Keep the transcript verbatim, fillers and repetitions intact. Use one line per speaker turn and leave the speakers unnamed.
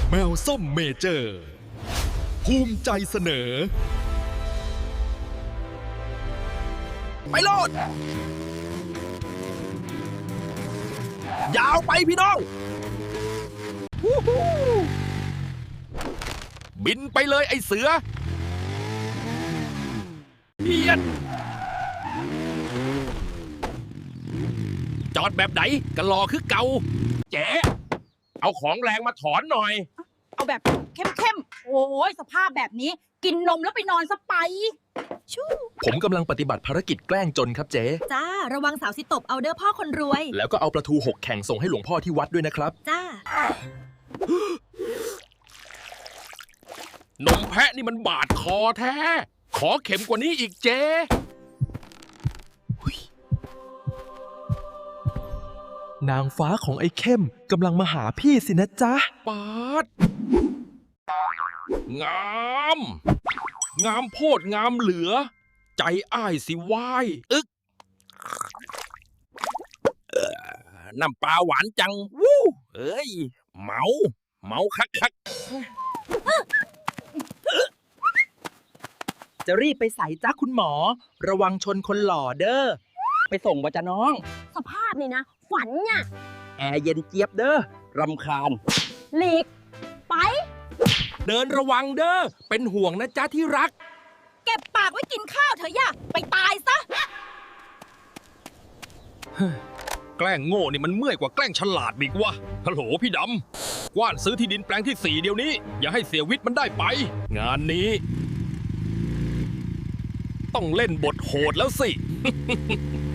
แมวส้มเมเจอร์ ภูมิใจเสนอ
ไปโลดยาวไปพี่น้องบินไปเลยไอ้เสือเพียนจอดแบบไหนกะลอคือเก่าเจ๊เอาของแรงมาถอนหน่อย
เอาแบบเข้มๆ โอ้ยสภาพแบบนี้ กินนมแล้วไปนอนซะไปชู้
ผมกำลังปฏิบัติภารกิจแกล้งจนครับเจ๊
จ้า ระวังสาวสิตบเอาเด้อพ่อคนรวย
แล้วก็เอาปลาทูหกแข่งส่งให้หลวงพ่อที่วัดด้วยนะครับ
จ้า
นมแพะนี่มันบาดคอแท้ ขอเข็มกว่านี้อีกเจ๊
นางฟ้าของไอ้เข้มกำลังมาหาพี่สินะจ๊ะ
ปาด งาม งามโพดงามเหลือ ใจอ้ายสิวายอึกเอ่อน้ำปลาหวานจัง วู้เอ้ย เมา เมาคักคัก
จะรีบไปใส่จ้าคุณหมอ ระวังชนคนหล่อเด้อ ไปส่งบ่จ้ะน้อง
สภาพนี่นะ ฝันเนี่ย
แอร์เย็นเจี๊ยบเด้อ รำคาญ
หลีก ไป
เดินระวังเด้อ เป็นห่วงนะจ๊ะที่รัก
เก็บปากไว้กินข้าวเถอะย่าไปตายซะ
แกล้งโง่นี่มันเมื่อยกว่าแกล้งฉลาดอีกวะฮัลโหลพี่ดำ กว้านซื้อที่ดินแปลงที่สี่เดี๋ยวนี้ อย่าให้เสียวิทย์มันได้ไป งานนี้ ต้องเล่นบทโหดแล้วสิ